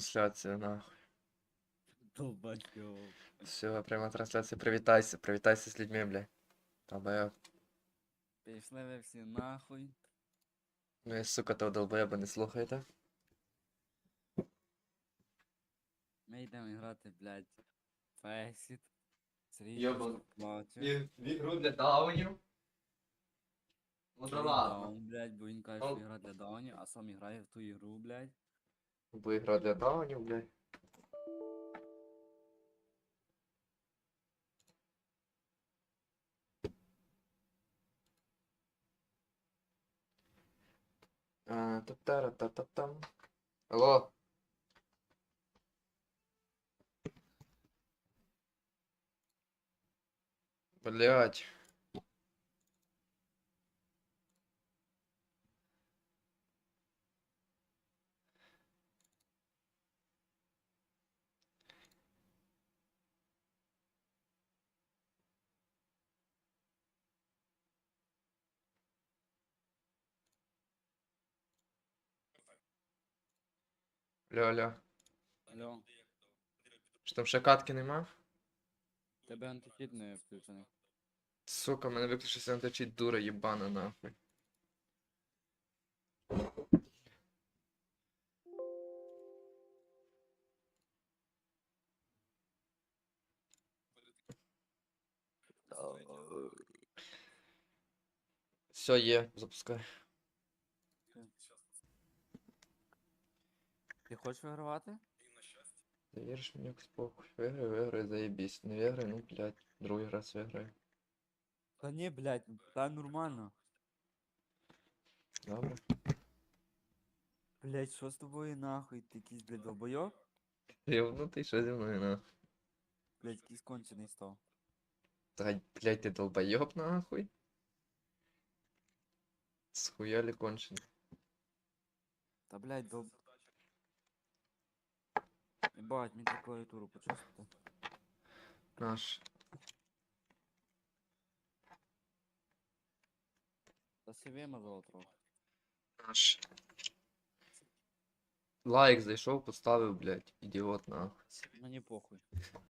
трансляція, нахуй. Долбачок. Все, пряма трансляція. Привітайся, привітайся з людьми, бля. Долбоєб. Пішли ви всі нахуй. Ну і сука, того долбоєба не слухайте. Ми йдемо грати, блядь, Фейсіт. Йобан. Плаче. В ігру для даунів. Ну да ладно. Даун, блядь, бо він каже, що гра для даунів, а сам грає в ту ігру, блядь. Бо ігра для даунів, блядь. Та-та-ра-та-та-там. Алло. Блять. Алло. Алло, Що там ще катки нема? тебе антифіт не включений. Сука, мене виключився античить, дура єбана, нахуй. Все, є, запускай. Ти хочеш вигравати? Ти віриш мені якось похуй. Виграй, заєбісь. Не виграй, ну, блядь, другий раз виграю. Та ні, блядь, та нормально. Добре. Блядь, що з тобою нахуй? Ти якийсь, блядь, долбойоб? Рівнутий, що зі мною, нахуй? Блядь, якийсь кончений став. Та, блядь, ти долбоёб, нахуй? Схуяли конченый. Та, блядь, Ебать, мені треба клавіатуру почистити. Наш. Та си вимазало трохи. Наш. Лайк зайшов, поставив, блядь, ідіот, нахуй. Мені похуй.